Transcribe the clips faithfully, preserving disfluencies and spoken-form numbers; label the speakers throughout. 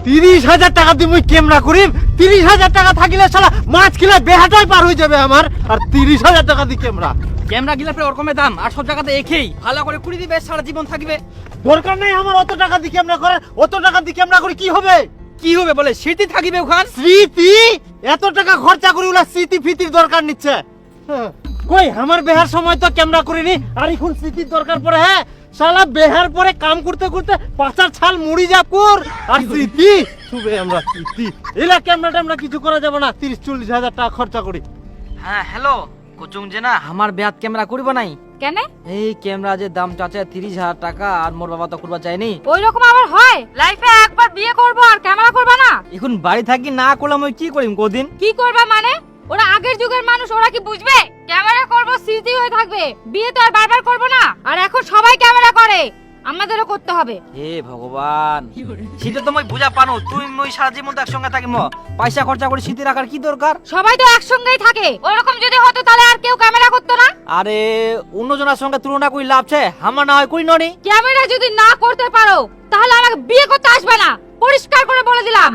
Speaker 1: তিরিশ হাজার টাকা দিয়ে মুই ক্যামেরা করিম। তিরিশ হাজার টাকা থাকিলে শালা মাছ কিলা বেহাটাই পার হয়ে যাবে আমার। আর তিরিশ হাজার টাকা দিয়ে ক্যামেরা
Speaker 2: ক্যামেরা গিলা পরে ওরকমের দাম আর সব জায়গাতে একই। ভালো করে কুড়ি দিবে, সারা জীবন থাকবে।
Speaker 1: দরকার নেই আমার অত টাকা দিয়ে ক্যামেরা করার। অত টাকা দিয়ে ক্যামেরা করে কি হবে?
Speaker 2: কি হবে বলে স্মৃতি থাকিবে ওখান।
Speaker 1: স্মৃতি? এত টাকা খরচা করে ওলা স্মৃতি ফিতির দরকার নিচ্ছে। হ্যাঁ, কই আমার বেহার সময় তো ক্যামেরা করিনি, আর এখন স্মৃতির দরকার পড়ে। হ্যাঁ শালা বেহার পরে কাম করতে করতে পাঁচার ছাল মুড়ি যা পুর, আর স্মৃতি শুবে আমরা স্মৃতি এলা ক্যামেরা ট্যামেরা কিছু করা যাবে না। তিরিশ চল্লিশ হাজার টাকা খরচা করি।
Speaker 2: হ্যাঁ হ্যালো কোচুং যে না আমার বেহাত ক্যামেরা করব নাই
Speaker 3: কেন?
Speaker 2: এই ক্যামেরা যে দাম চাচা তিরিশ হাজার টাকা, আর মোর বাবা তো করবা চাইনি।
Speaker 3: ওই রকম আবার হয়? লাইফে একবার বিয়ে করব আর ক্যামেরা করবা না?
Speaker 2: এখন বাড়ি থাকি না করলাম ওই কি করিম কদিন।
Speaker 3: কি করবা মানে? ওরা আগের যুগের মানুষ, ওরা কি বুঝবে? ক্যামেরা করব স্মৃতি হয়ে থাকবে, বিয়ে তো আর বারবার করব না। আর এখন সবাই ক্যামেরা করে, আমাদেরও করতে হবে।
Speaker 2: হে ভগবান, সেটা তো মই বুঝা পানো। তুই মই সারা জীবন তো একসঙ্গে থাকিম, পয়সা খরচা করে স্মৃতি রাখার কি দরকার?
Speaker 3: সবাই তো একসঙ্গেই থাকে, ওরকম যদি হতো তাহলে আর কেউ ক্যামেরা করতো না।
Speaker 2: আরে অন্যজনের সঙ্গে তুলনা করি লাভ আছে? আমার না হয় করি ননি।
Speaker 3: ক্যামেরা যদি না করতে পারো তাহলে আমাকে বিয়ে করতে আসবে না, পরিষ্কার করে বলে দিলাম।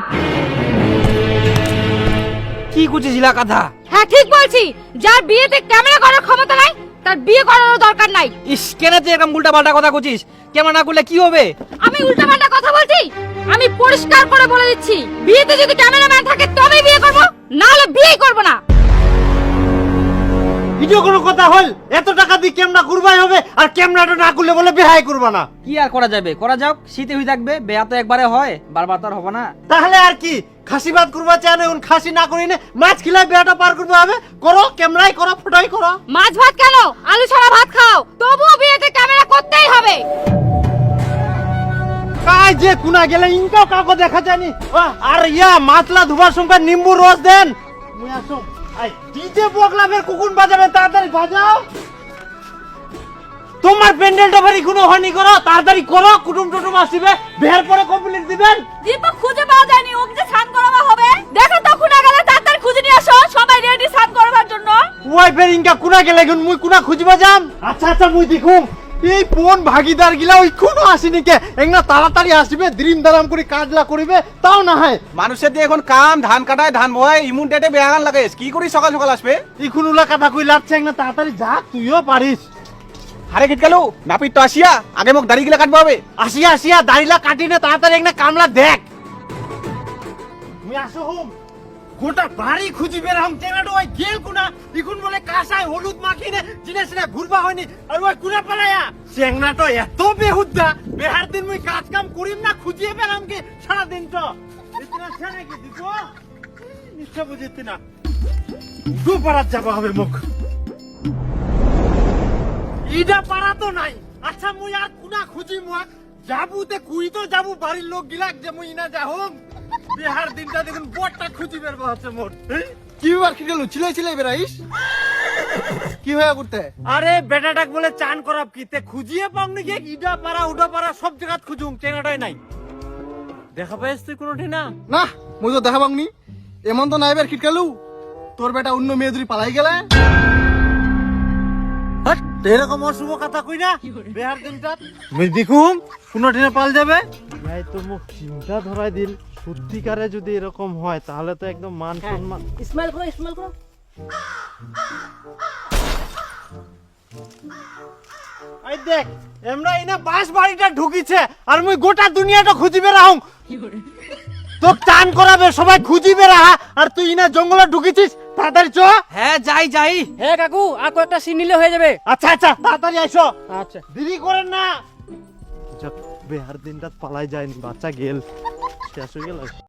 Speaker 2: কি কুচিছিলা কথা?
Speaker 3: হ্যাঁ ঠিক বলছি, যার বিয়েতে ক্যামেরা করার ক্ষমতা নাই তার বিয়ে করারও দরকার নাই।
Speaker 2: ইস কেন তুই এরকম উল্টা পাল্টা কথা কুচিস? কেমন না করলে কি হবে?
Speaker 3: আমি উল্টাপাল্টা কথা বলছি? আমি পরিষ্কার করে বলে দিচ্ছি, বিয়েতে যদি ক্যামেরাম্যান থাকে তবেই বিয়ে করব, না হলে বিয়েই করব না।
Speaker 1: ভিডিও কোনো কথা হল? এত টাকা দিয়ে ক্যামেরা করবাই হবে, আর ক্যামেরাটা না করলে বলে বেহাই করবা না।
Speaker 2: কি আর করা যাবে? করা যাক, শীতে হয়ে থাকবে। বেয়া তো একবারে হয়, বারবার তো আর হবে না।
Speaker 1: তাহলে আর কি খাসি বাদ করবা চাই না? এখন খাসি না করি না, মাছ খিলাই বেহাটা পার করতে হবে। করো, ক্যামেরাই করো, ফটোই করো।
Speaker 3: মাছ ভাত কেন, আলু ছাড়া ভাত খাও, তবুও বিয়েতে ক্যামেরা করতেই হবে।
Speaker 1: কাই যে কুনা গেলে ইনকাও কাকো দেখা যায়নি। আহ, আর ইয়া মাছলা ধুবার সঙ্গে নিম্বু রস দেন। মুই আসো। আই ডিজে বগলাবের কুকুন বাজাবে, তাড়াতাড়ি বাজাও। তোমার প্যান্ডেলটা ভারি কোনো হয়নি, করো তাড়াতাড়ি করো। কুটুম টুটুম আসিবে, বের পরে কমপ্লিট দিবেন।
Speaker 3: দীপক খুঁজে পাওয়া যায়নি, ওকে যে স্নান করাবা হবে। দেখো তো খুনা গেলে তাড়াতাড়ি খুঁজে নিয়ে আসো, সবাই রেডি স্নান করবার জন্য।
Speaker 1: ওয়াইফের ইনকা কুনা গেলে এখন মুই কুনা খুঁজবা যাম। আচ্ছা আচ্ছা মুই দেখুম। এই কোন ভাগিদার গিলা ওই কোনো আসেনি কে? একনা তাড়াতাড়ি আসবে, দ্রিম দারাম করে কাজলা করিবে, তাও না হয়।
Speaker 4: মানুষের দিয়ে এখন কাম ধান কাটায় ধান বয় ইমুন ডেটে বেহান লাগে, কি করি সকাল সকাল আসবে?
Speaker 1: এখন উলা কথা কই লাগছে, একনা তাড়াতাড়ি যা, তুইও পারিস।
Speaker 4: হারে গেট গেল নাপিত তো আসিয়া আগে মোক দাড়ি গিলা কাটবো হবে।
Speaker 1: আসিয়া আসিয়া দাড়িলা কাটি না, তাড়াতাড়ি একনা কামলা দেখ। আমি আসো হুম, গোটা বাড়ি খুঁজি বের হাম টেমেটো ওই গেল কুনা। ইকুন বলে কাঁসায় হলুদ মাখিনে জিনে সিনে ঘুরবা হয়নি, আর ওই কুনা পালায়া চেংনা তো এত বেহুদ্দা। বেহার দিন মুই কাজ কাম করিম না, খুঁজিয়ে পেলাম কি সারা দিন তো ইতনা ছেনে কি দিছো নিশ্চয় বুঝিতে না। দু পারাত যাবা হবে মুখ, ইডা পারা তো নাই। আচ্ছা মুই আর কুনা খুঁজি মুখ যাবুতে কুই তো যাবু, বাড়ির লোক গিলাক যে মুই না যাহুম। বিহার দিনটা দেখুন বড়টা খুঁজি বের হচ্ছে মোট।
Speaker 4: কি বার কি গেল চিলাই চিলাই বেড়াইস? কি হয়ে করতে?
Speaker 1: আরে বেটাটাক বলে চান করাব কি তে খুঁজিয়ে পাও নাকি? ইডা পারা উডা পারা সব জায়গাত খুঁজুম, চেনাটাই নাই। দেখা পাইস তুই কোনোটি না?
Speaker 4: না মই তো দেখা পাংনি। এমন তো নাই বের খিটকালু তোর বেটা অন্য মেয়ে যদি পালাই গেলে।
Speaker 1: হাট, এরকম অশুভ কথা কই না বিহার দিনটা। মুই দেখুম কোনোটি না পাল যাবে। ভাই তো মুখ চিন্তা ধরাই দিল। সত্যিকারে যদি এরকম হয় তাহলে তো একদম মান সম্মান।
Speaker 2: স্মাইল করো, স্মাইল করো।
Speaker 1: এই দেখ এমরা ইনা বাস বাড়িটা ঢুকিছে, আর মুই গোটা দুনিয়াটা খুঁজিবে রাহুম। তোক চান করাবে, সবাই খুঁজিবে রাহা, আর তুই ইনা জঙ্গলে ঢুকিছিস। তাড়াতাড়ি চ।
Speaker 2: হ্যাঁ যাই যাই। হ্যাঁ কাকু আর কয়েকটা সিন নিলে হয়ে যাবে।
Speaker 1: আচ্ছা আচ্ছা তাড়াতাড়ি আইসো।
Speaker 2: আচ্ছা
Speaker 1: দেরি করেন না। যাক বেহার দিনটা পালাই যায়নি, বাচ্চা গেল, শেষ হয়ে গেল।